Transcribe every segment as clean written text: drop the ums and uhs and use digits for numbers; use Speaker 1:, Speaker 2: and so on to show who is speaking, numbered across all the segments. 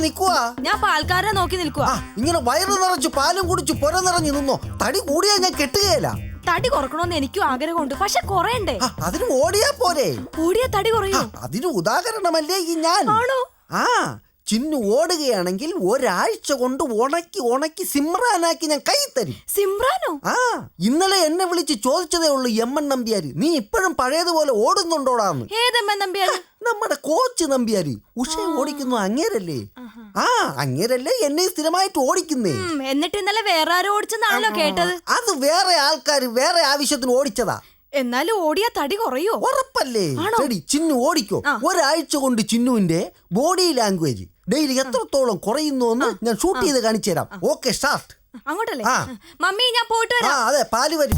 Speaker 1: നിക്കുവാ?
Speaker 2: ഞാൻ പാൽക്കാരനെ നോക്കി നിൽക്കുവാ.
Speaker 1: ഇങ്ങനെ വയറ് നിറച്ചു പാലും കുടിച്ചു പുര നിറഞ്ഞു നിന്നോ. തടി കൂടിയാ ഞാൻ കെട്ടുകയില്ല.
Speaker 2: തടി കുറക്കണമെന്ന് എനിക്കും ആഗ്രഹമുണ്ട്, പക്ഷെ കുറയണ്ടേ?
Speaker 1: അതിന് ഓടിയാ പോരെ.
Speaker 2: ഓടിയാ തടി കുറയോ?
Speaker 1: അതിന് ഉദാഹരണമല്ലേ ഈ ഞാൻ.
Speaker 2: ആണോ?
Speaker 1: ചിന്നു ഓടുകയാണെങ്കിൽ ഒരാഴ്ച കൊണ്ട് ഉണക്കി സിമ്രാനാക്കി ഞാൻ കൈ തരും.
Speaker 2: സിമ്രാനോ?
Speaker 1: ഇന്നലെ എന്നെ വിളിച്ച് ചോദിച്ചതേ ഉള്ളൂ എമ്മൻ നമ്പ്യാര്, നീ ഇപ്പോഴും പഴയതുപോലെ ഓടുന്നുണ്ടോടാന്ന്.
Speaker 2: ഏതെമ്മൻ നമ്പ്യാര്?
Speaker 1: നമ്മുടെ കോച്ച് നമ്പ്യാര്. ഉഷ ഓടിക്കുന്നു അങ്ങേരല്ലേ? അങ്ങേരല്ലേ എന്നെ സ്ഥിരമായിട്ട് ഓടിക്കുന്നേ.
Speaker 2: എന്നിട്ട് ഇന്നലെ വേറെ ആരോ ഓടിച്ചെന്നാണല്ലോ കേട്ടത്.
Speaker 1: അത് വേറെ ആൾക്കാര് വേറെ ആവശ്യത്തിന് ഓടിച്ചതാ.
Speaker 2: എന്നാലും ഓടിയാ തടി കുറയോ?
Speaker 1: ഉറപ്പല്ലേ? ചിന്നു ഓടിക്കോ. ഒരാഴ്ച കൊണ്ട് ചിന്നുവിന്റെ ബോഡി ലാംഗ്വേജ് ഡെയിലി എത്രത്തോളം കുറയുന്നു എന്ന് ഞാൻ ഷൂട്ട് ചെയ്ത് കാണിച്ചു തരാം. Okay, start.
Speaker 2: അങ്ങോട്ടല്ലേ? മമ്മി ഞാൻ പോയിട്ട് വരാം.
Speaker 1: അതെ, പാല് വരും.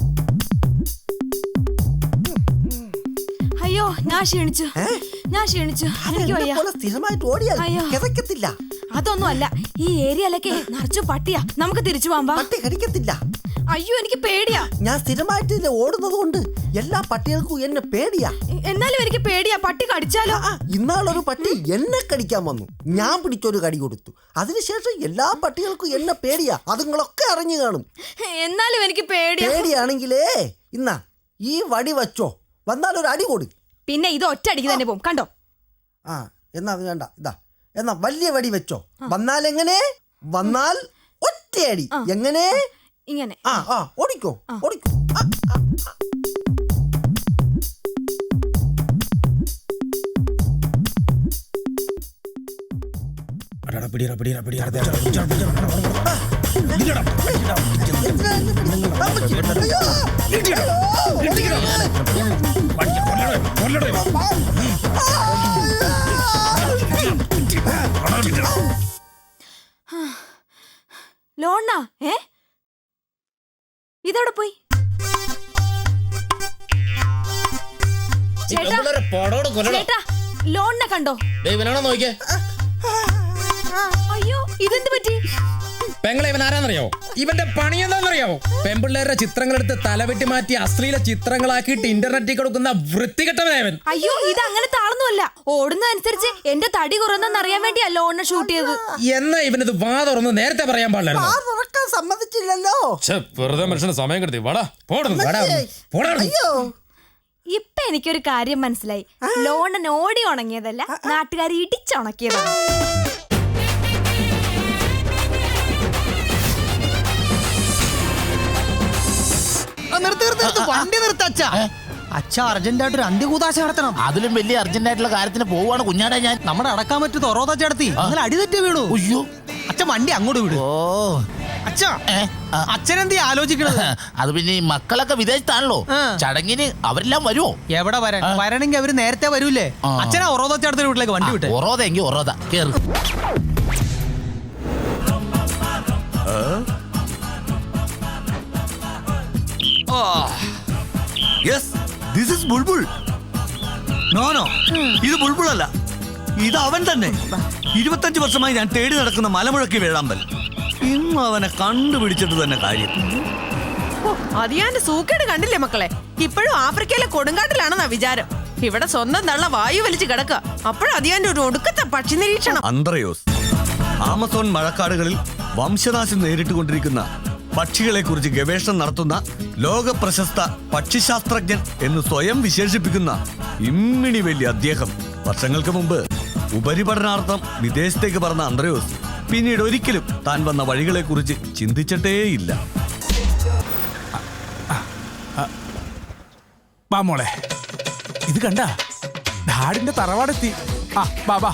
Speaker 2: അയ്യോ, ഞാൻ ക്ഷീണിച്ചു.
Speaker 1: സ്ഥിരമായിട്ട് ഓടിയാൽ കിതക്കത്തില്ല.
Speaker 2: അതൊന്നും അല്ല, ഈ ഏരിയയിലൊക്കെ നിറച്ചു പട്ടിയാ. നമുക്ക് തിരിച്ചു പോവാം.
Speaker 1: പട്ടി കടിക്കത്തില്ല.
Speaker 2: അയ്യോ, എനിക്ക് പേടിയാ.
Speaker 1: ഞാൻ സ്ഥിരമായിട്ട് ഓടുന്നത് കൊണ്ട് എല്ലാ പട്ടികൾക്കും എന്നെ പേടിയാ.
Speaker 2: എന്നാലും എനിക്ക് പേടിയാ, പട്ടി കടിച്ചാലോ?
Speaker 1: ഇന്നാളൊരു പട്ടി എന്നെ കടിക്കാൻ വന്നു. ഞാൻ പിടിച്ചൊരു കടി കൊടുത്തു. അതിനുശേഷം എല്ലാ പട്ടികൾക്കും എന്നെ പേടിയാ. അതുങ്ങളൊക്കെ അറിഞ്ഞു കാണും.
Speaker 2: എന്നാലും എനിക്ക്
Speaker 1: പേടിയാണെങ്കിലേ ഇന്നാ ഈ വടി വച്ചോ, വന്നാൽ ഒരു അടി കൊടു.
Speaker 2: പിന്നെ ഇത് ഒറ്റ അടിക്ക് തന്നെ പോകും, കണ്ടോ?
Speaker 1: എന്നാ അത് വേണ്ട. എന്നാ വലിയ വടി വെച്ചോ. വന്നാൽ ഒറ്റയടി. എങ്ങനെ?
Speaker 2: ഇങ്ങനെ.
Speaker 1: ഓടിക്കോ.
Speaker 2: ലോണ്ണ ഇതോടെ പോയി. ചേട്ടാ, ലോണിനെ കണ്ടോ?
Speaker 3: നോക്കിയേ.
Speaker 2: അയ്യോ, ഇതെന്ത് പറ്റി?
Speaker 3: പെങ്ങളെ, ഇവൻ ആരാന്നറിയാവോ? ഇവന്റെ പണി എന്താണെന്നറിയാവോ? പെമ്പിള്ളേരുടെ ചിത്രങ്ങളെടുത്ത് തലവെട്ടി മാറ്റി അശ്ലീല ചിത്രങ്ങളാക്കിയിട്ട് ഇന്റർനെറ്റിൽ കൊടുക്കുന്ന വൃത്തികെട്ടവനായവൻ.
Speaker 2: അയ്യോ, ഇത് അങ്ങനത്തെ ആളൊന്നുമല്ല. ഓടുന്നതനുസരിച്ച് എന്റെ തടി കുറഞ്ഞെന്ന് അറിയാൻ വേണ്ടിയാ ലോണിനെ ഷൂട്ട് ചെയ്തത്.
Speaker 3: എന്നാ ഇവനത് വാ തുറന്ന് നേരത്തെ പറയാൻ പാടില്ലായിരുന്നു.
Speaker 1: സമ്മതിച്ചില്ലല്ലോ.
Speaker 3: വെറുതെ മനുഷ്യന് സമയം കെടുത്തി.
Speaker 2: ഇപ്പൊ എനിക്കൊരു കാര്യം മനസ്സിലായി. ലോണൻ ഓടി ഉണങ്ങിയതല്ല, നാട്ടുകാർ ഇടിച്ചുണക്കിയതാണ്.
Speaker 4: വണ്ടി നിർത്തച്ഛ. അച്ഛ അർജന്റായിട്ട് ഒരു അന്ത്യകൂതാശ നടത്തണം.
Speaker 5: അതിലും വലിയ അർജന്റായിട്ടുള്ള കാര്യത്തിന് പോവാണ് കുഞ്ഞാടെ ഞാൻ.
Speaker 4: നമ്മുടെ അടക്കാൻ പറ്റൂ തൊറോത ചേർത്തി അങ്ങനെ അടിതെറ്റി വീണു.
Speaker 5: അയ്യോ,
Speaker 4: അച്ഛൻ വണ്ടി അങ്ങോട്ട് വിടും. അച്ഛനെന്തീ ആലോചിക്കണത്?
Speaker 5: അത് പിന്നെ ഈ മക്കളൊക്കെ വിദേശത്താണല്ലോ. ചടങ്ങിന് അവരെല്ലാം വരുമോ?
Speaker 4: എവിടെ വരണമെങ്കിൽ അവര് നേരത്തെ വരൂലേ. അച്ഛനാ ഒറോത ചേർത്തിന്റെ വീട്ടിലേക്ക് വണ്ടി വിട്ടെ.
Speaker 5: ഒറോത എങ്കിൽ ഒറോത കേറ്.
Speaker 6: ഇത് ബുൾബുൾ അല്ല, ഇത് അവൻ തന്നെ. 25 വർഷമായി ഞാൻ തേടി നടക്കുന്ന മലമുഴക്കി വേഴാമ്പൽ. ഇന്ന് അവനെ കണ്ടുപിടിച്ചിട്ട് തന്നെ കാര്യം.
Speaker 7: അതിയാന്റെ സൂക്കേട് കണ്ടില്ലേ മക്കളെ? ഇപ്പോഴും ആഫ്രിക്കയിലെ കൊടുങ്കാട്ടിലാണെന്നാ വിചാരം. ഇവിടെ സ്വന്തം തള്ള വായു വലിച്ചു കിടക്കുക. അപ്പോഴും അതിയാന്റെ ഒരു ഒടുക്കത്തെ പക്ഷി നിരീക്ഷണം.
Speaker 6: അന്ത്രയോസ് ആമസോൺ മഴക്കാടുകളിൽ വംശനാശം നേരിട്ടുകൊണ്ടിരിക്കുന്ന പക്ഷികളെ കുറിച്ച് ഗവേഷണം നടത്തുന്ന ലോക പ്രശസ്ത പക്ഷിശാസ്ത്രജ്ഞൻ എന്ന് സ്വയം വിശേഷിപ്പിക്കുന്ന ഇമ്മിണി വലിയ അദ്ദേഹം വർഷങ്ങൾക്ക് മുമ്പ് ഉപരിപഠനാർത്ഥം വിദേശത്തേക്ക് പറഞ്ഞ അന്ത്രയോസ് പിന്നീട് ഒരിക്കലും താൻ വന്ന വഴികളെ കുറിച്ച് ചിന്തിച്ചിട്ടേയില്ല.
Speaker 8: മോളെ, ഇത് കണ്ട ഡാഡിന്റെ തറവാടെത്തി. ബാബാ.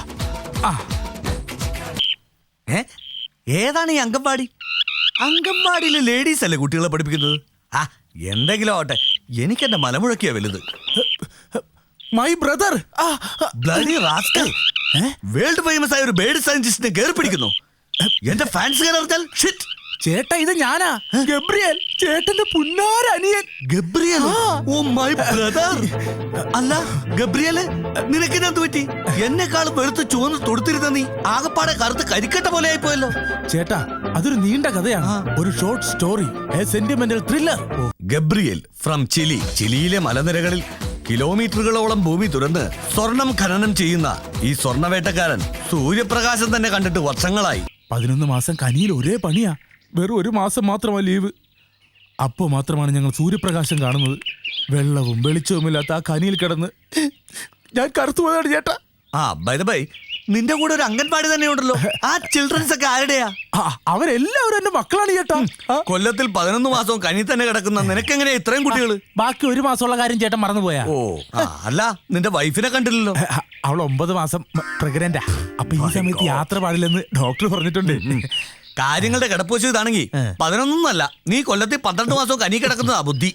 Speaker 6: ഏതാണ് ഈ അംഗൻവാടി? അംഗൻവാടിയിലെ ലേഡീസ് അല്ലേ കുട്ടികളെ പഠിപ്പിക്കുന്നത്? എന്തെങ്കിലും ആവട്ടെ, എനിക്കെന്റെ മലമുഴക്കിയാ വലുത്.
Speaker 8: My brother.
Speaker 6: Bloody rascal. World famous ആയ ഒരു ബേർഡ് സയന്റിസ്റ്റിനെ കയറി പിടിക്കുന്നു. എന്റെ ഫാൻസ് കയറിയാൽ ഷിറ്റ്.
Speaker 8: ചേട്ടാ, ഇത് ഞാനാ, ഗബ്രിയേൽ, ചേട്ടന്റെ പുന്നാരനിയൻ.
Speaker 6: ഗബ്രിയേൽ? Oh my brother. അല്ല ഗബ്രിയേല്, നിനക്ക് എന്ത് പറ്റി? എന്നെക്കാളും വെളുത്ത് ചുവന്ന് തൊടുത്തിരുന്ന നീ ആകപ്പാടെ കറുത്ത് കരിക്കട്ട പോലെ ആയിപ്പോയല്ലോ.
Speaker 8: ചേട്ടാ, അതൊരു നീണ്ട കഥയാണ്. ഒരു short story, a sentimental thriller.
Speaker 6: Gabriel from Chile. ചിലിയിലെ മലനിരകളിൽ കിലോമീറ്ററുകളോളം ഭൂമി തുറന്ന് സ്വർണം ഖനനം ചെയ്യുന്ന ഈ സ്വർണവേട്ടക്കാരൻ സൂര്യപ്രകാശം തന്നെ കണ്ടിട്ട് വർഷങ്ങളായി.
Speaker 8: 11 മാസം കനിയിൽ ഒരേ പണിയാ. വെറും 1 മാസം മാത്രമാ ലീവ്. അപ്പോൾ മാത്രമാണ് ഞങ്ങൾ സൂര്യപ്രകാശം കാണുന്നത്. വെള്ളവും വെളിച്ചവുമില്ലാത്ത ആ കനിയിൽ കിടന്ന് ഞാൻ കറുത്തുപോയതാണ് ചേട്ടാ.
Speaker 6: ബൈ ദ ബൈ, നിന്റെ കൂടെ ഒരു അംഗൻവാടി തന്നെ ഉണ്ടല്ലോ. ആ ചിൽഡ്രൻസ് ഒക്കെ ആരുടെയാ?
Speaker 8: അവരെല്ലാവരും എന്റെ മക്കളാണ് ചേട്ടാ.
Speaker 6: കൊല്ലത്തിൽ 11 മാസവും കനി തന്നെ കിടക്കുന്ന നിനക്കെങ്ങനെയാ ഇത്രയും കുട്ടികൾ?
Speaker 8: ബാക്കി 1 മാസമുള്ള കാര്യം ചേട്ടൻ മറന്നുപോയാ?
Speaker 6: അല്ല, നിന്റെ വൈഫിനെ കണ്ടില്ലല്ലോ.
Speaker 8: അവൾ 9 മാസം പ്രഗ്നന്റാ. അപ്പൊ ഈ സമയത്ത് യാത്ര പാടില്ലെന്ന് ഡോക്ടർ പറഞ്ഞിട്ടുണ്ട്.
Speaker 6: കാര്യങ്ങളുടെ കിടപ്പുവശം ഇതാണെങ്കിൽ 11 നീ കൊല്ലത്തിൽ 12 മാസവും കനി കിടക്കുന്നതാ ബുദ്ധി.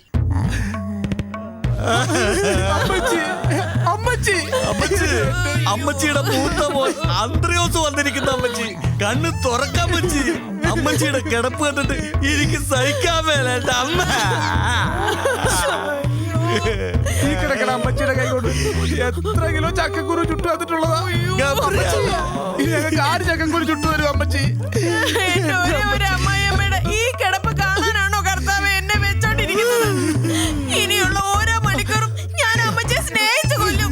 Speaker 6: അമ്മച്ചിയുടെ മൂത്ത മോൻ അന്ത്രയോസ് വന്നിരിക്കുന്ന അമ്മച്ചി. കണ്ണ് തുറക്കാൻ അമ്മച്ചി. അമ്മച്ചിയുടെ കിടപ്പ് കണ്ടിട്ട് എനിക്ക് സഹിക്കാൻ മേലേട്ട അമ്മ.
Speaker 8: ഈ കിടക്കണ അമ്മച്ചിയുടെ കൈ കൊണ്ട് എത്ര കിലോ ചക്കക്കുരു ചുട്ടു വന്നിട്ടുള്ളതാ. ഞങ്ങൾക്ക് 6 ചക്കക്കുരു ചുട്ടു തരും അമ്മച്ചി.
Speaker 7: ഒരു അമ്മായിയമ്മയുടെ ഈ കിടപ്പ് കാണാനാണോ കർത്താവ് എന്നെ വെച്ചോണ്ടിരിക്കുന്നത്? ഇനിയുള്ള ഓരോ മണിക്കൂറും ഞാൻ അമ്മച്ചിയെ സ്നേഹിച്ചു കൊല്ലും.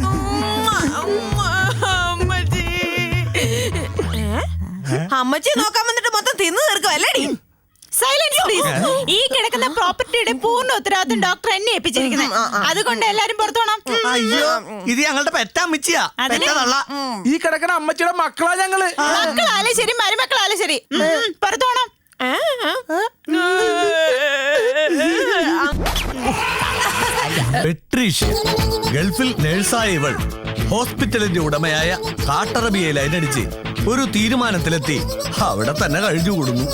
Speaker 7: അമ്മച്ചി നോക്കാൻ വന്നിട്ട് മൊത്തം തിന്നു തീർക്കുമല്ലേടി?
Speaker 9: Silence please. ഈ കിടക്കുന്ന പ്രോപ്പർട്ടിയുടെ പൂർണ്ണ ഉത്തരവാദിത്വം ഡോക്ടർ എന്നെ ഏൽപ്പിച്ചിരിക്കുന്നത്. അതുകൊണ്ട് എല്ലാരും പുറത്തു പോണം.
Speaker 6: അയ്യോ, ഇത് ഞങ്ങളുടെ പെറ്റമ്മച്ചിയാ.
Speaker 8: ഈ കിടക്കണ അമ്മച്ചിയുടെ മക്കളാ ഞങ്ങള്.
Speaker 9: മക്കളാലും ശരി മരുമക്കളാലും ശരി പുറത്തു പോണം.
Speaker 6: പെട്രീഷ്യ, ഗൾഫിൽ നേഴ്സായ ഇവൾ ഹോസ്പിറ്റലിന്റെ ഉടമയായ കാട്ടറബിയെ ലൈനടിച്ച് ഒരു തീരുമാനത്തിലെത്തി അവിടെ തന്നെ കഴിഞ്ഞുകൂടുന്നു.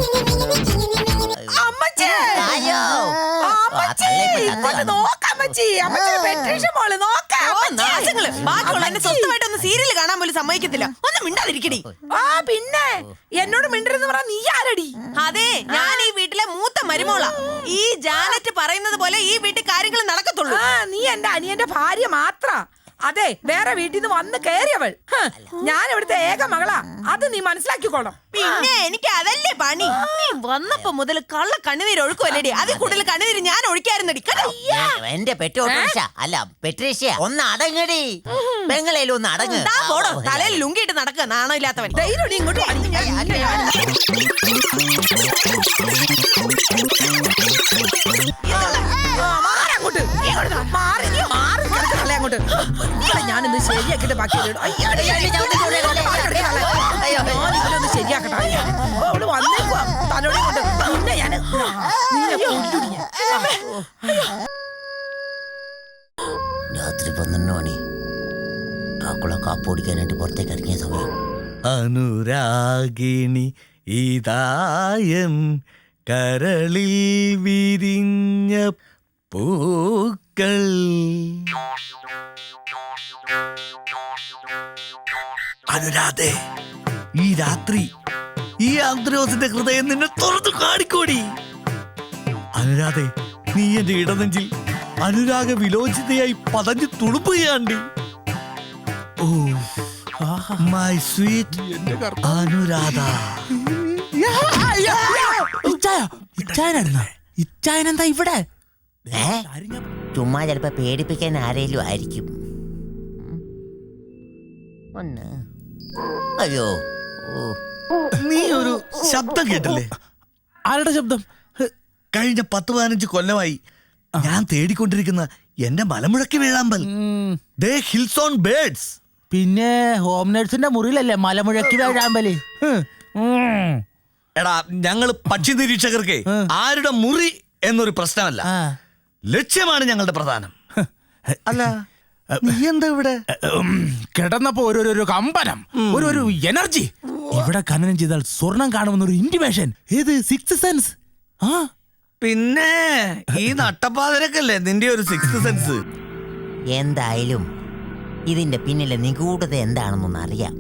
Speaker 7: സ്വന്തമായിട്ടൊന്ന് സീരിയൽ കാണാൻ പോലും സമ്മതിക്കത്തില്ല. ഒന്ന് മിണ്ടാതിരിക്കടി.
Speaker 2: പിന്നെ എന്നോട് മിണ്ടരുന്ന് പറഞ്ഞ നീ ആരടി?
Speaker 7: അതെ, ഞാൻ ഈ വീട്ടിലെ മൂത്ത മരുമോളാ. ഈ ജാനറ്റ് പറയുന്നത് പോലെ ഈ വീട്ടിൽ കാര്യങ്ങൾ നടക്കത്തുള്ളൂ.
Speaker 2: നീ എന്റെ അനിയന്റെ ഭാര്യ മാത്ര. അതെ, വേറെ വീട്ടിൽ നിന്ന് വന്ന് കയറിയവൾ. ഞാൻ ഇവിടുത്തെ ഏക മകളാ. അത് നീ മനസ്സിലാക്കിക്കോണം.
Speaker 7: പിന്നെ എനിക്ക് അതല്ലേ പണി. നീ വന്നപ്പോ മുതൽ കള്ള കണ്ണുനീര് ഒഴുക്കുമല്ലേടി. അതിൽ കൂടുതൽ കണ്ണുനീര് ഞാൻ ഒഴിക്കായിരുന്നടി.
Speaker 10: എന്റെ അല്ല പെട്രീഷ്യ, ഒന്ന് അടങ്ങടി. പെങ്ങളേലും ഒന്ന് അടങ്ങ്.
Speaker 7: പോടോ, തലയിൽ ലുങ്കിയിട്ട് നടക്കുക നാണോ ഇല്ലാത്തവൻ. ഇങ്ങോട്ട്
Speaker 2: ഞാനിന്ന് ശരിയാക്കിട്ട് ബാക്കി ശരിയാക്കട്ടെ. അവള് വന്നേക്കുവാ തലോടെ കൊണ്ട്. പിന്നെ ഞാൻ
Speaker 10: രാത്രി 12 മണി. ഡ്രാക്കുള കാപ്പ് ഓടിക്കാനായിട്ട് പുറത്തേക്ക് ഇറങ്ങിയ സമയം.
Speaker 6: അനുരാഗിണി ഇതായൻ കരളിൽ വിരിഞ്ഞ പൂക്കൾ. അനുരാധേ, ഈ രാത്രി ഈ ആന്ത്രോസിന്റെ ഹൃദയം നിന്നെ തുറന്നു കാണിക്കോടി. അനുരാധേ, നീ എന്റെ ഇടനെഞ്ചിൽ അനുരാഗ വിലോചിതയായി പതഞ്ഞു തുളുമ്പുകയാണ്ടി. Oh my sweet Anuradha.
Speaker 8: ഇച്ചായനെന്താ ഇവിടെ?
Speaker 10: ചുമ്മാ ചിലപ്പോ പേടിപ്പിക്കാൻ ആരേലും ആയിരിക്കും. അയ്യോ,
Speaker 6: നീ ഒരു ശബ്ദം കേട്ടില്ലേ?
Speaker 8: ആരുടെ ശബ്ദം?
Speaker 6: കഴിഞ്ഞ 10-15 കൊല്ലമായി ഞാൻ തേടിക്കൊണ്ടിരിക്കുന്ന എന്റെ മലമുഴക്കി വേഴാമ്പൽ. ദേ ഹിൽസ് ഓൺ ബേർഡ്സ്.
Speaker 8: പിന്നെ ഹോം നേഴ്സിന്റെ മുറിയിലല്ലേ മലമുഴക്കി വേഴാമ്പല്?
Speaker 6: എടാ, ഞങ്ങള് പക്ഷി നിരീക്ഷകർക്ക് ആരുടെ മുറി എന്നൊരു പ്രശ്നമല്ല, ലക്ഷ്യമാണ് ഞങ്ങളുടെ പ്രധാനം. അല്ല, നീ എന്താ ഇവിടെ?
Speaker 8: കിടന്നപ്പോ ഒരു കമ്പനം, ഒരു എനർജി. ഇവിടെ ഖനനം ചെയ്താൽ സ്വർണം കാണുമെന്നൊരു ഇന്റിമേഷൻ. ഏത് സിക്സ് സെൻസ്?
Speaker 6: പിന്നെ ഈ നട്ടപ്പാതിരക്കല്ലേ നിന്റെ ഒരു സിക്സ് സെൻസ്.
Speaker 10: എന്തായാലും ഇതിന്റെ പിന്നിലെ നിഗൂഢത എന്താണെന്നൊന്ന് അറിയാം.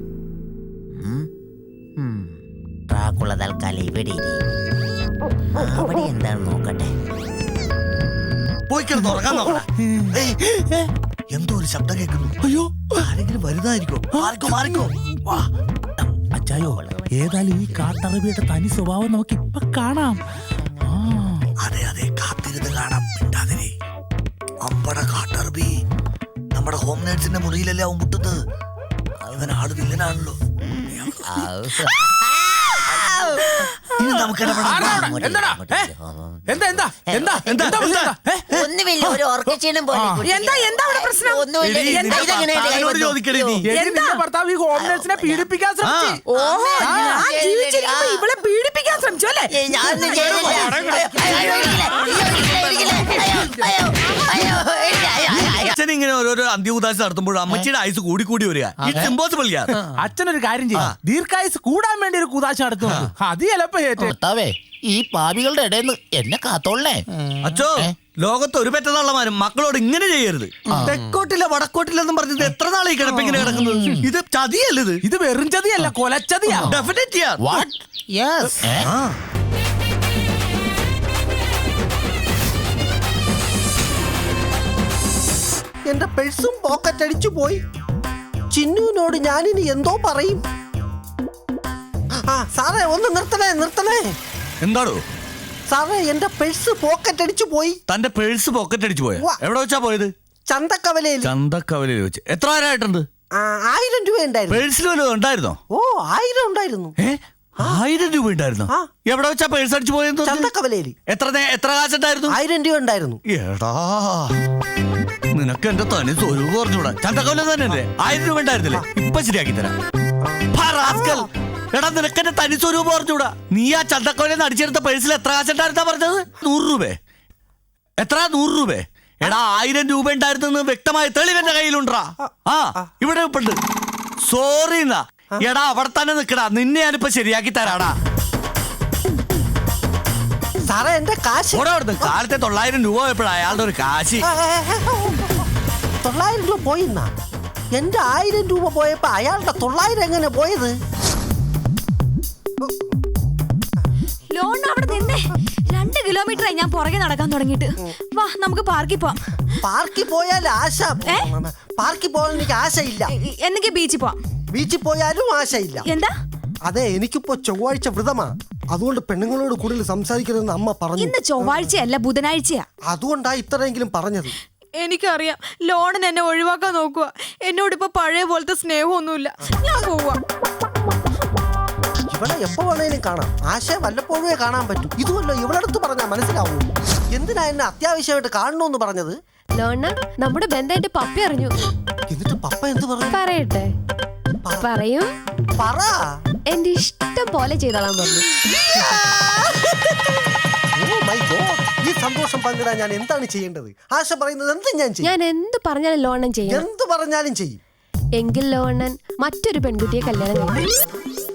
Speaker 10: ഡ്രാക്കുള തൽക്കാലം ഇവിടെ അവിടെ എന്താണെന്ന് നോക്കട്ടെ.
Speaker 6: പോയി കിടന്ന് ഉറങ്ങാൻ നോക്കണ. എന്തോ ഒരു ശബ്ദം കേൾക്കുന്നു.
Speaker 8: അയ്യോ,
Speaker 6: ആരെങ്കിലും വരുന്നതായിരിക്കും. മാറിക്കോ.
Speaker 8: അച്ചായോ, ഏതായാലും ഈ കാട്ടറബിയുടെ തനി സ്വഭാവം നമുക്ക് ഇപ്പൊ കാണാം.
Speaker 6: അതെ, കാത്തിരുന്ന് കാണാം. മിണ്ടാതിരി. അമ്പട കാട്ടറബി. അബി നമ്മുടെ ഹോം നേഴ്സിന്റെ മുറിയിലല്ലേ അവൻ മുട്ടുന്നത്. ഇവൻ ആള് വില്ലനാണല്ലോ. ഇനി നമുക്ക്
Speaker 10: ഒന്നുമില്ല, ഒരു ഓർക്കക്ഷീണം പോലെ
Speaker 2: എന്താ അവിടെ പ്രശ്നം?
Speaker 6: ചോദിക്കണേ നീ.
Speaker 8: ഭർത്താവ് ഈ ഹോം നേഴ്സിനെ പീഡിപ്പിക്കാൻ ശ്രമിച്ചു.
Speaker 2: ഓഹോ, ഞാൻ ജീവിച്ചിരിക്കുമ്പോ ഇവളെ പീഡിപ്പിക്കാൻ ശ്രമിച്ചു അല്ലേ?
Speaker 10: ഞാനൊന്നും
Speaker 6: അച്ഛൻ ഇങ്ങനെ ഓരോരോ അന്ത്യഉദാശ നടത്തുമ്പോൾ അമ്മച്ചിയുടെ ആയുസ് കൂടി കൂടി വരിക. ഇറ്റ്സ് ഇമ്പോസിബിൾ യാർ.
Speaker 8: അച്ഛനൊരു കാര്യം ചെയ്യും, ദീർഘായുസ് കൂടാൻ വേണ്ടി ഒരു കുദാശ നടത്തുന്നു. അത് ചിലപ്പോ
Speaker 5: ഭർത്താവേ ഈ പാപികളുടെ ഇടയിൽ നിന്ന് എന്നെ കാത്തോളേ.
Speaker 6: അച്ഛോ, ലോകത്ത് ഒരു പെറ്റതള്ളമാരും മക്കളോട് ഇങ്ങനെ ചെയ്യരുത്. തെക്കോട്ടില്ല വടക്കോട്ടില്ലെന്നും പറഞ്ഞത് എത്ര നാളെ കിടപ്പിങ്ങനെ കിടക്കുന്നത്? ഇത് ചതിയല്ലത്.
Speaker 8: ഇത് വെറും ചതിയല്ല, കൊലച്ചതിയാ.
Speaker 6: ഡെഫിനറ്റ് യാർ.
Speaker 5: വാട്ട്? യെസ്.
Speaker 1: എന്റെ പേഴ്സും പോക്കറ്റ് അടിച്ചു പോയി. ചിന്നുവിനോട് ഞാനിനി എന്തോ പറയും. ആ സാറേ, ഒന്ന് നിർത്തണേ.
Speaker 6: എന്താണോ
Speaker 1: സാറേ, എന്റെ പേഴ്സ് പോക്കറ്റ് അടിച്ചു പോയി.
Speaker 6: തന്റെ പേഴ്സ് പോക്കറ്റ് അടിച്ചു പോയ? എവിടെ വെച്ചാ പോയത്?
Speaker 1: ചന്തക്കവലയിൽ.
Speaker 6: ചന്തക്കവലയിൽ വെച്ച്. എത്ര നേരമായിട്ടുണ്ട്?
Speaker 1: 1000 രൂപ ഉണ്ടായിരുന്നു.
Speaker 6: പേഴ്സിൽ വല്ലതും ഉണ്ടായിരുന്നോ?
Speaker 1: ഓ, 1000 ഉണ്ടായിരുന്നു.
Speaker 6: 1000 രൂപ ഉണ്ടായിരുന്നോ? എവിടെ വെച്ചാ പേഴ്സ് അടിച്ചു പോയത്?
Speaker 1: ചന്തക്കവലയിൽ.
Speaker 6: എത്ര കാശുണ്ടായിരുന്നു?
Speaker 1: 1000 രൂപ ഉണ്ടായിരുന്നു.
Speaker 6: എടാ, നിനക്ക് എന്റെ തനി സ്വരൂപം പറഞ്ഞൂടാ. ചന്തക്കവല തന്നെ 1000 രൂപ ഉണ്ടായിരുന്നില്ലേ? ഇപ്പൊ ശരിയാക്കി തരാം. എടാ, നിനക്ക് എന്റെ തനി സ്വരൂപം പറഞ്ഞൂടാ. നീ ആ ചന്തക്കവല അടിച്ചെടുത്ത പേഴ്സിൽ എത്ര കാശുണ്ടായിരുന്നാ പറഞ്ഞത്? 100 രൂപ. എത്ര? 100 രൂപ. എടാ, 1000 രൂപ ഉണ്ടായിരുന്നെന്ന് വ്യക്തമായ തെളിവെന്റെ കയ്യിലുണ്ടാ. ഇവിടെ ഉണ്ട്. സോറി എന്നാ. എടാ, അവിടെ തന്നെ നിക്കടാ, നിന്നെ ഞാനിപ്പോ ശരിയാക്കി തരാടാ.
Speaker 1: സാറേ, എന്റെ കാശ്.
Speaker 6: കാലത്തെ 900 രൂപ പോയപ്പോഴാ അയാളുടെ ഒരു കാശ്.
Speaker 1: 900 രൂപ പോയിന്നാ? എന്റെ 1000 രൂപ പോയപ്പോ അയാളുടെ 900 എങ്ങനെ പോയത്?
Speaker 11: ലോൺ അവിടെ നിന്നേ 2 കിലോമീറ്ററായി ഞാൻ പുറകെ നടക്കാൻ തുടങ്ങിയിട്ട്. വാ, നമുക്ക് പാർക്കിൽ പോവാം.
Speaker 1: പാർക്കിൽ പോയാൽ ആശ. പാർക്കിൽ പോകാൻ എനിക്ക് ആശയില്ല.
Speaker 11: എന്തൊക്കെ ബീച്ചിൽ പോവാം.
Speaker 1: ബീച്ചിൽ പോയാലും ആശയില്ല.
Speaker 11: എന്താ?
Speaker 1: അതെ, എനിക്കിപ്പോ ചൊവ്വാഴ്ച വ്രതമാ. അതുകൊണ്ട് പെണ്ണുങ്ങളോട് കൂടുതൽ സംസാരിക്കരുതെന്ന് അമ്മ പറഞ്ഞു.
Speaker 11: ഇന്ന് ചൊവ്വാഴ്ചയല്ല, ബുധനാഴ്ചയാ.
Speaker 1: അതുകൊണ്ടാ ഇത്രയെങ്കിലും പറഞ്ഞത്.
Speaker 11: എനിക്കറിയാം, ലോണിന് എന്നെ ഒഴിവാക്കാൻ നോക്കുക. എന്നോട് ഇപ്പൊ പഴയ പോലത്തെ സ്നേഹമൊന്നുമില്ല. ഞാൻ പോവാ.
Speaker 1: ഇവളെ എപ്പോ വേണേലും കാണാം. ആശയം വല്ലപ്പോഴേ കാണാൻ പറ്റും. ഇതുമല്ലോ ഇവളടുത്ത് പറഞ്ഞാൽ മനസ്സിലാവൂ. എന്തിനാ എന്നെ അത്യാവശ്യമായിട്ട് കാണണമെന്ന് പറഞ്ഞത്?
Speaker 12: ലോണ, നമ്മുടെ ബന്ധം എന്റെ പപ്പ അറിഞ്ഞു.
Speaker 1: എന്നിട്ട് പപ്പ എന്ത് പറഞ്ഞു?
Speaker 12: പറയട്ടെ? പറയും.
Speaker 1: പറ.
Speaker 12: എന്റെ ഇഷ്ടം പോലെ ചെയ്തോളാൻ പറഞ്ഞു.
Speaker 1: ഈ സന്തോഷം പങ്കിടാൻ ഞാൻ എന്താണ് ചെയ്യേണ്ടത്? ആശ പറയുന്നത് എന്തും ഞാൻ ചെയ്യും.
Speaker 12: ഞാൻ എന്ത് പറഞ്ഞാലും ലോണൻ ചെയ്യും.
Speaker 1: എന്ത് പറഞ്ഞാലും ചെയ്യും.
Speaker 12: എങ്കിൽ ലോണൻ മറ്റൊരു പെൺകുട്ടിയെ കല്യാണം കഴിക്കും.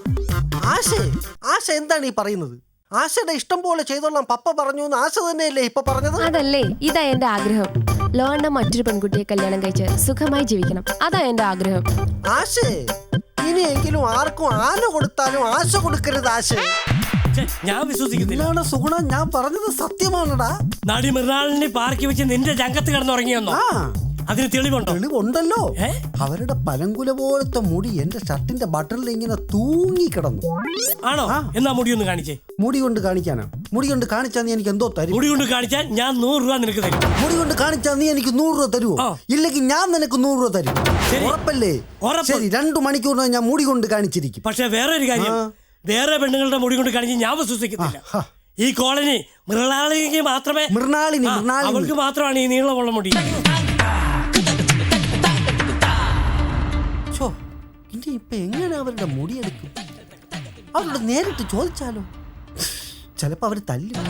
Speaker 1: ആശ എന്താണ് ഈ പറയുന്നത്? ആശയുടെ ഇഷ്ടം പോലെ ചെയ്തോളാം പപ്പ പറഞ്ഞു എന്ന് ആശ തന്നെയല്ലേ ഇപ്പൊ പറഞ്ഞത്?
Speaker 12: അതല്ലേ, ഇതാ എന്റെ ആഗ്രഹം. ലോണ മറ്റൊരു പെൺകുട്ടിയെ കല്യാണം കഴിച്ച് സുഖമായി ജീവിക്കണം. അതാ എന്റെ ആഗ്രഹം.
Speaker 1: ആശേ, ഇനിയെങ്കിലും ആർക്കും ആന കൊടുത്താലും ആശ കൊടുക്കരുത്. ആശ,
Speaker 13: ഞാൻ വിശ്വസിക്കുന്നില്ല.
Speaker 1: സുഗുണ, ഞാൻ പറഞ്ഞത് സത്യമാണടാ.
Speaker 13: നടി മൃണാളിനെ പാർക്കി വെച്ച് നിന്റെ രംഗത്ത് കിടന്നുറങ്ങിയെന്നോ? അതിന് തെളിവുണ്ടോ?
Speaker 1: തെളിവുണ്ടല്ലോ. അവരുടെ പലങ്കുല പോലത്തെ മുടി എന്റെ ഷർട്ടിന്റെ ബട്ടണിൽ ഇങ്ങനെ തൂങ്ങി കിടന്നു.
Speaker 13: ആണോ? എന്നാ മുടി ഒന്ന് കാണിച്ചേ.
Speaker 1: മുടി കൊണ്ട് കാണിക്കാനാ? മുടി കൊണ്ട് കാണിച്ചാ നീ എനിക്ക് എന്തോ തരും?
Speaker 13: മുടി കൊണ്ട് കാണിച്ചാൽ ഞാൻ 100 രൂപ നിനക്ക് തരും.
Speaker 1: മുടി കൊണ്ട് കാണിച്ചാൽ നീ എനിക്ക് 100 രൂപ തരുമോ? ഇല്ലെങ്കിൽ ഞാൻ നിനക്ക് 100 രൂപ തരും. ഉറപ്പല്ലേ? ശരി, 2 മണിക്കൂറിന് ഞാൻ മുടി കൊണ്ട് കാണിച്ചിരിക്കും.
Speaker 13: പക്ഷെ വേറെ ഒരു കാര്യം, വേറെ പെണ്ണുങ്ങളുടെ മുടി കൊണ്ട് കാണിച്ച് ഞാൻ വിശ്വസിക്കുന്നില്ല. ഈ കോളനി മൃണാളിക്ക് മാത്രമേ, അവൾക്ക് മാത്രമാണ് ഈ നീളമുള്ള മുടി.
Speaker 1: ഇനി ഇപ്പൊ എങ്ങനെ അവരുടെ മുടിയെടുക്കും? അവരോട് നേരിട്ട് ചോദിച്ചാലോ? ചിലപ്പോ അവര് തല്ലും.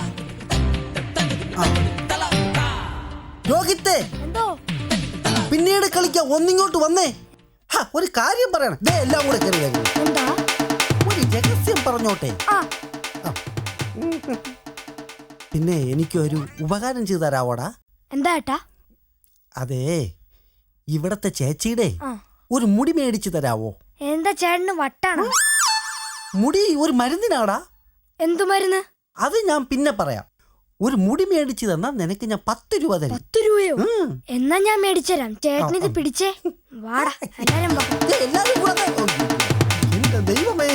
Speaker 1: രോഹിത്തേ, പിന്നീട് കളിക്കാൻ ഒന്നിങ്ങോട്ട് വന്നേ. ഒരു കാര്യം പറയണം. എല്ലാം കൂടെ കയറി ഒരു രഹസ്യം പറഞ്ഞോട്ടെ. പിന്നെ എനിക്കൊരു ഉപകാരം ചെയ്തു തരാവോടാ?
Speaker 11: എന്താ ഏട്ടാ?
Speaker 1: അതെ, ഇവിടത്തെ ചേച്ചിയുടെ ഒരു മുടി മേടിച്ചു തരാവോ?
Speaker 11: എന്താ ചേട്ടന് വട്ടാണോ?
Speaker 1: മുടി ഒരു മരുന്നിനാടാ.
Speaker 11: എന്തു മരുന്ന്?
Speaker 1: അത് ഞാൻ പിന്നെ പറയാം. ഒരു മുടി മേടിച്ചു തന്നാ നിനക്ക് ഞാൻ 10 രൂപ തരും.
Speaker 11: 10 രൂപയോ? എന്നാ ഞാൻ മേടിച്ചുതരാം. ചേട്ടനിത് പിടിച്ചേ. വാടാ,
Speaker 1: എന്റെ ദൈവമേ.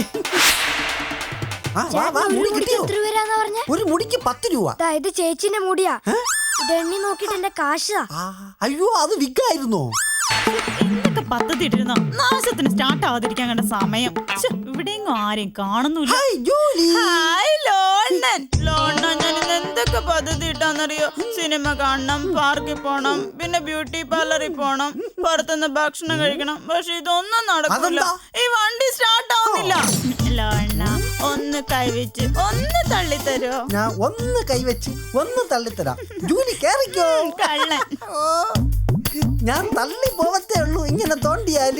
Speaker 11: എത്ര രൂപ?
Speaker 1: ഒരു മുടിക്ക് 10 രൂപ.
Speaker 11: ഇത് ചേച്ചിന്റെ മുടിയാ. ഇതെണ്ണി നോക്കിട്ട് എന്റെ കാശാ.
Speaker 1: അയ്യോ അത് വിക്കായിരുന്നോ?
Speaker 9: എന്തൊക്കെ പദ്ധതി ഇട്ടിരുന്നോ നാശത്തിന് സ്റ്റാർട്ട് ആവാതിരിക്കാൻ കണ്ട സമയം. ഇവിടെയെങ്ങും ആരെയും കാണുന്നില്ല. ഹായ് ലോണ്ണൻ. ലോണ്ണൻ ഞാൻ എന്തൊക്കെ പദ്ധതി ഇട്ടാന്നറിയോ? സിനിമ കാണണം, പാർക്കിൽ പോണം, പിന്നെ ബ്യൂട്ടി പാർലറിൽ പോണം, പുറത്തുനിന്ന് ഭക്ഷണം കഴിക്കണം. പക്ഷെ ഇതൊന്നും നടക്കില്ല. ഈ വണ്ടി സ്റ്റാർട്ട് ആവുന്നില്ല. ലോണ്ണ ഒന്ന് കൈവച്ച് ഒന്ന് തള്ളിത്തരോ?
Speaker 1: ഞാൻ ഒന്ന് കൈവച്ച് ഒന്ന് തള്ളിത്തരാം. ജൂലി കേറിക്കോ.
Speaker 9: കള്ളൻ.
Speaker 1: ഞാൻ തള്ളി പോവത്തേ ഉള്ളൂ ഇങ്ങനെ തോണ്ടിയാല്.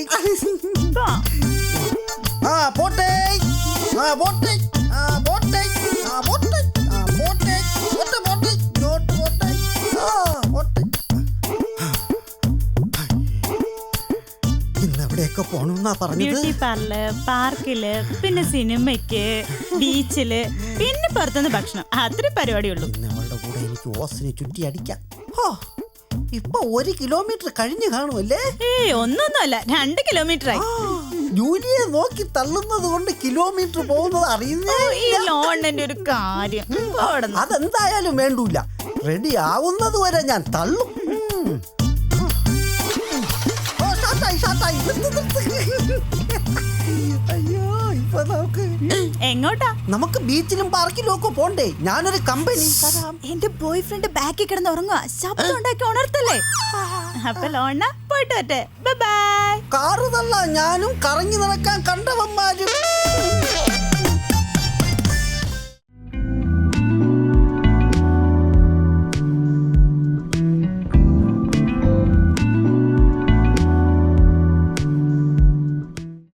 Speaker 1: പോട്ടെ പോട്ടെ പോട്ടെ പോട്ടെ പോട്ടെ പോട്ടെ പോട്ടെ പോട്ടെ. ഇന്നെവിടെയൊക്കെ പോണെന്നാ പറഞ്ഞത്?
Speaker 9: ബ്യൂട്ടി പാർലർ, പാർക്കില്, പിന്നെ സിനിമയ്ക്ക്, ബീച്ചില്, പിന്നെ പുറത്തുനിന്ന് ഭക്ഷണം. അത്ര പരിപാടിയുള്ളൂ.
Speaker 1: നമ്മളുടെ കൂടെ എനിക്ക് ഓസിനെ ചുറ്റി അടിക്കാം. ഇപ്പൊ 1 കിലോമീറ്റർ കഴിഞ്ഞു കാണുമല്ലേ?
Speaker 9: ഒന്നൊന്നുമല്ല, 2 കിലോമീറ്റർ ആയി.
Speaker 1: ജൂലിയെ നോക്കി തള്ളുന്നത് കൊണ്ട് കിലോമീറ്റർ പോകുന്നത് അറിയുന്നേ.
Speaker 9: ഈ ലോണിന്റെ ഒരു കാര്യം.
Speaker 1: അതെന്തായാലും വേണ്ടൂല. റെഡി ആവുന്നത് വരെ ഞാൻ തള്ളും. അയ്യോ ഇപ്പൊ
Speaker 9: എങ്ങോട്ടാ?
Speaker 1: നമുക്ക് ബീച്ചിലും പാർക്കിലും ഒക്കെ പോണ്ടേ? ഞാനൊരു കമ്പനി തരാം.
Speaker 9: എന്റെ ബോയ് ഫ്രണ്ട് ബാക്കിൽ കിടന്ന് ഉറങ്ങുക. ശബ്ദം ഉണ്ടാക്കി ഉണർത്തല്ലേ? അപ്പൊ ലോണ പോയിട്ട് വരട്ടെ. Bye bye.
Speaker 1: കാറ് തള്ള ഞാനും കറങ്ങി നടക്കാൻ കണ്ടവന്മാരും.